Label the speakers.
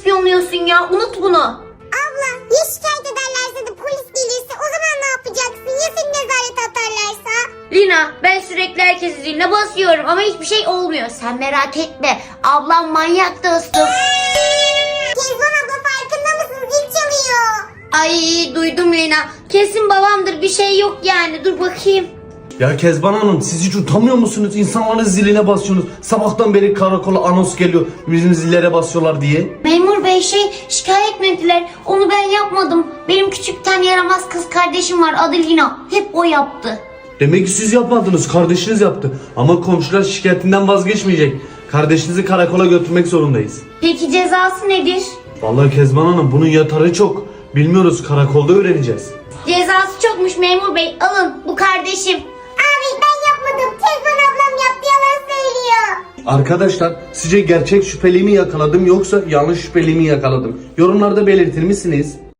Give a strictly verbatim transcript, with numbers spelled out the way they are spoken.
Speaker 1: ispiyonluyorsun ya? Unut bunu.
Speaker 2: Abla ya şikayet ederlerse de polis gelirse o zaman ne yapacaksın? Ya seni nezarete atarlarsa?
Speaker 1: Lina, ben sürekli herkesin ziline basıyorum ama hiçbir şey olmuyor. Sen merak etme. Ablam manyak dostum.
Speaker 2: Kezban abla farkında mısın? Zil çalıyor.
Speaker 1: Ay duydum Lina. Kesin babamdır, bir şey yok yani. Dur bakayım.
Speaker 3: Ya Kezban Hanım, siz hiç utanmıyor musunuz? İnsanların ziline basıyorsunuz. Sabahtan beri karakola anons geliyor. Bizim zillere basıyorlar diye.
Speaker 1: Memur bey şey şikayet mi ettiler? Onu ben yapmadım. Benim küçükten yaramaz kız kardeşim var, adı Lina. Hep o yaptı.
Speaker 3: Demek ki siz yapmadınız, kardeşiniz yaptı. Ama komşular şikayetinden vazgeçmeyecek. Kardeşinizi karakola götürmek zorundayız.
Speaker 1: Peki cezası nedir?
Speaker 3: Vallahi Kezban Hanım, bunun yatarı çok. Bilmiyoruz, karakolda öğreneceğiz.
Speaker 1: Cezası çokmuş memur bey. Alın, bu kardeşim.
Speaker 2: Abi ben yapmadım. Kezban ablam yaptı, yalan söylüyor.
Speaker 3: Arkadaşlar, sizce gerçek şüpheliği mi yakaladım yoksa yanlış şüpheliği mi yakaladım? Yorumlarda belirtir misiniz?